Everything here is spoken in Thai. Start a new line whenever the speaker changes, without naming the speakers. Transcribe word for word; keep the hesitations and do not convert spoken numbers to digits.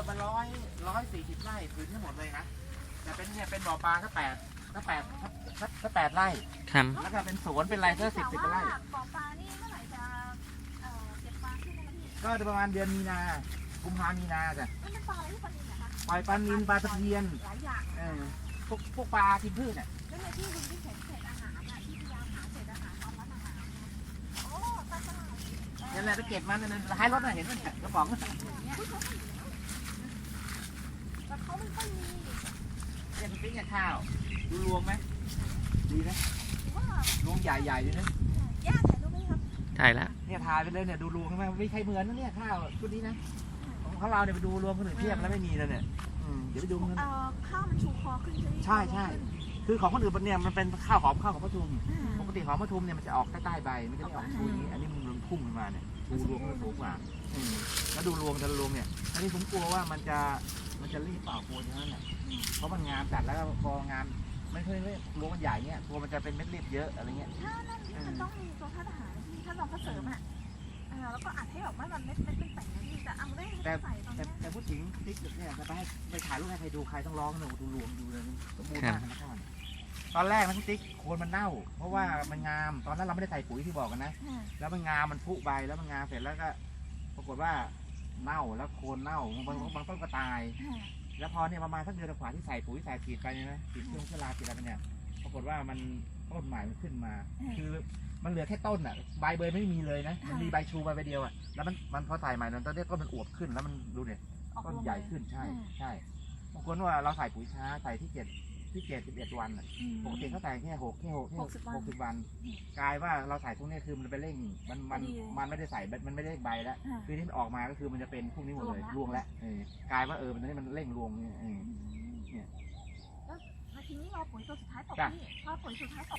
มาร้อยร้อยสี่สิบไร่พื้นทั้งหมดเลยนะแต่เป็นเนี่ยเป็นบ่อปลาก็แปดก็แปดก็แปดไร่
ครับ
แล้วก็เป็นสวนเป็นไรก็สิบสิบไร่
บ่อปลานี่เมื่อไหร่จะเอ่อเก็บปลาขึ้นได้ไหมพี่
ก็ประมาณเดือนมีนากุมภามีนาจ้ะ
มันเป็นปลาอะไรที่ปลานิลนะคะ
ปล่อยปลานิลปลาตะเพียน
หลายอย่าง
เออพวกพวกปลากินพืชเนี่ย
แล้วในที่คุณที่เห็นเศษอาหารอ่ะที่พยายามหาเศษอาหารตามร้านอาหารโอ้ปลาฉลาม
นั่นแหละไปเก็บมันนั่นท้ายรถน่ะเห็นไหมเนี่ยกระป๋องน่ะ
แต่เขาไม่ค่อยมี
เนี่ยมันปิ้งกับข้าวดูรวงไหมดีนะ
หรือว่าร
วงใหญ่ๆเลยนะ
ย่าถ่ายรูปไหมครับ
ถ่ายแล้ว
เนี่ยทายไปเลยเนี่ยดูรวงใช่ไหมไม่ใช่เหมือนนะเนี่ยข้าวชุดนี้นะของเราเนี่ยไปดูรวงคนอื่นเทียบแล้วไม่มีเลยเนี่ยอืมเดี๋ยวไปดูมัน
เอ่อข้าวมันชูคอขึ้นใช่ไหม
ใช่ใช่คือของคนอื่นเนี่ยมันเป็นข้าวหอมข้าวของปทุมปกติหอมปทุมเนี่ยมันจะออกใต้ๆใบมันจะไม่ออกชูอย่างนี้อันนี้มันรวงพุ่งขึ้นมาเนี่ยดูรวงมันสูงกว่าอืมแล้วดูรวงแต่ละรวงเนี่ยอันนี้ผมกลัวว่ามันจะมันจะรีบเปล่ากลัวอย่างนั้นแหละเพราะมันงามจัดแล้วก็พองามไม่ค่อยเลยรวงมันใหญ่เนี่ยตัวมันจะเป็นเม็ดรีบเยอะอะไรเงี้ย
ถ้านั่นนี่มันต้องมีตัวท่าทหารที่ถ้าลองเขาเสริมอ่ะเออแล้วก็อัดให้แบบว่ามันเม็ดเม็ดเป็นแต่งนะพี่แต่เอาได้ให้ใส่ตอน
แต่
นี้
แต่พูดถึงติ๊กเนี่ยจะไปให้ไปถ่ายรูปให้ใครดูใครต้องร้องหนูดูรวงดูเลยสมบูรณ์มากนะก่อนตอนแรกนะพี่ติ๊กโคนมันเน่า เพราะว่ามันงามตอนนั้นเราไม่ได้ใส่ปุ๋ยที่บอกกันนะ แล้วมันงามมันพุใบแล้วมันงามเสร็จแล้วก็ ปรากฏว่าเน่าแล้วโคนเน่าบางบางต้นก็ตาย แล้วพอเนี่ยประมาณสักเดือนกว่าที่ใส่ปุ๋ยใส่ฉีดไปเนี่ยนะฉีดเครื่องเชื้อราฉีดอะไรไปเนี่ยปรากฏว่ามันต้นใหม่มันขึ้นมา คือมันเหลือแค่ต้นอ่ะใบเบยไม่มีเลยนะมันมีใบชูใบใบเดียวอ่ะแล้วมันมันพอใส่ใหม่ตอนนี้ต้นมันอวบขึ้นแล้วมันดูเนี่ยต้นใหญ่ขึ้นใช่ใช่บางคนว่าเราใส่ปุ๋ยช้าใส่ที่เจ็ดที่เจ็ดสิบเอ็ดวันอ่ะปกติเขาใส่แค่หกแค่หกแค่หกหกสิบวันกลายว่าเราใส่พวกนี้คือมันไปเร่งมันมันมันไม่ได้ใส่มันไม่ได้ใบแล้วคือที่มันออกมาก็คือมันจะเป็นพวกนี้หมดเลยรวงแล้วเออกลายว่าเออมันนี่มันเร่งรวงเนี่ย
แล้วทีนี้เราปุ๋ยตัวสุดท้ายตกนี่พอปุ๋ยสุดท้ายตก